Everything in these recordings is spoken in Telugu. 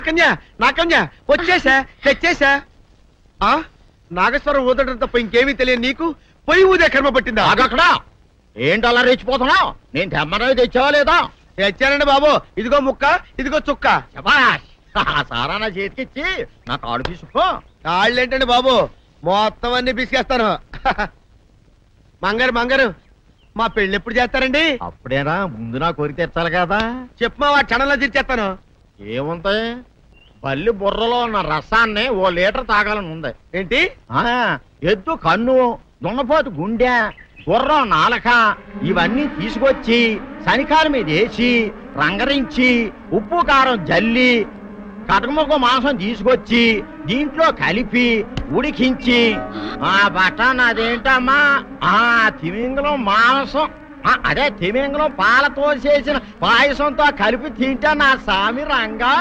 కన్యా నా కన్యా వచ్చేసా తెచ్చేసా. ఆ నాగేశ్వరం ఊదడం తప్ప ఇంకేమీ తెలియదు నీకు. పొయ్యి ఊదే కర్మ పట్టిందా? అక్కడ ఏంటి అలా రెచ్చిపోతున్నావు? నేను తెమ్మనవి తెచ్చావా లేదా? తెచ్చానండి బాబు. ఇదిగో ముక్క, ఇదిగో చుక్క. శభాష్. ఆ సారా నా చేతికిచ్చి నా కాడు తీసుకో. కాళ్ళేంటండి బాబు, మొత్తం అన్ని బిసికేస్తాను. మంగారు మంగారు, మా పెళ్ళి ఎప్పుడు చేస్తారండి? అప్పుడేనా, ముందు నా కోరిక తెచ్చాలి కదా. చెప్పు మా క్షణంలో తీర్చేస్తాను. ఏముంటాయి, బల్లి బుర్రలో ఉన్న రసాన్ని ఓ లీటర్ తాగాలని ఉంది. ఏంటి? ఎద్దు కన్ను, దున్నపోతు గుండె, గుర్రం నాలక ఇవన్నీ తీసుకొచ్చి శనికాల మీద వేసి రంగరించి ఉప్పు కారం జల్లి కటకముక్క మాంసం తీసుకొచ్చి దీంట్లో కలిపి ఉడికించి ఆ బటన్ అదేంటమ్మా తిమింగలం మాంసం, అదే తిమింగలం పాలతో చేసిన పాయసంతో కలిపి తింటా నా సామి రంగా.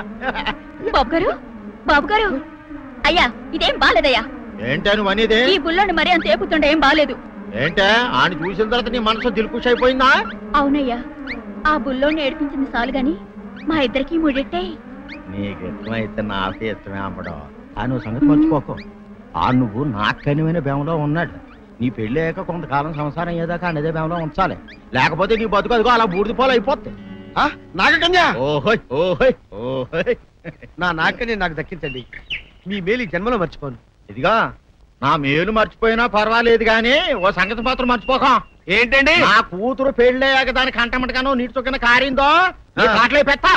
బాబు గారు అయ్యా, ఇదేం బాలేదయ్యా. ఏంటా నువ్వు అనేది? ఈ బుల్లోని మరీ అంత ఏపుతుండే ఏం బాలేదు. ఏంటే ఆయన చూసిన తర్వాత నీ మనసు దిల్కుష్ అయిపోయిందా? అవునయ్యా, ఆ బుల్లోని ఏడిపించింది చాలు గాని మా ఇద్దరికి ముడిట్టే. నీకు ఇష్టమైతే నాకే ఇష్టమే అమ్మడం. ఆ నువ్వు సంగతి మర్చిపోకు. ఆ నువ్వు నాకనివైన బేమలో ఉన్నాడు. నీ పెళ్లి అయ్యాక కొంతకాలం సంసారం ఏదాకా అనేదే బేమలో ఉంచాలి, లేకపోతే నీ బతుకు అదిగో అలా బూడిదిపోలు అయిపోతుంది. నాగకన్యా, ఓహోయ్ ఓహోయ్ ఓహోయ్. నా నాగకన్య నాకు దక్కించండి. మీ మేలు ఈ జన్మలో మర్చిపోను. ఇదిగా నా మేలు మర్చిపోయినా పర్వాలేదు గాని ఓ సంగతి మాత్రం మర్చిపోకం. ఏంటండి? నా కూతురు పెళ్ళయ్యాక దాని కంటమటగానో నీటి చుక్కన కారిందో కాట్లే పెట్టా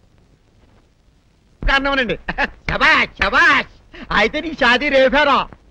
కారణమనండి. శబాష్ శబాష్. అయితే నీ షాదీ రేపారా?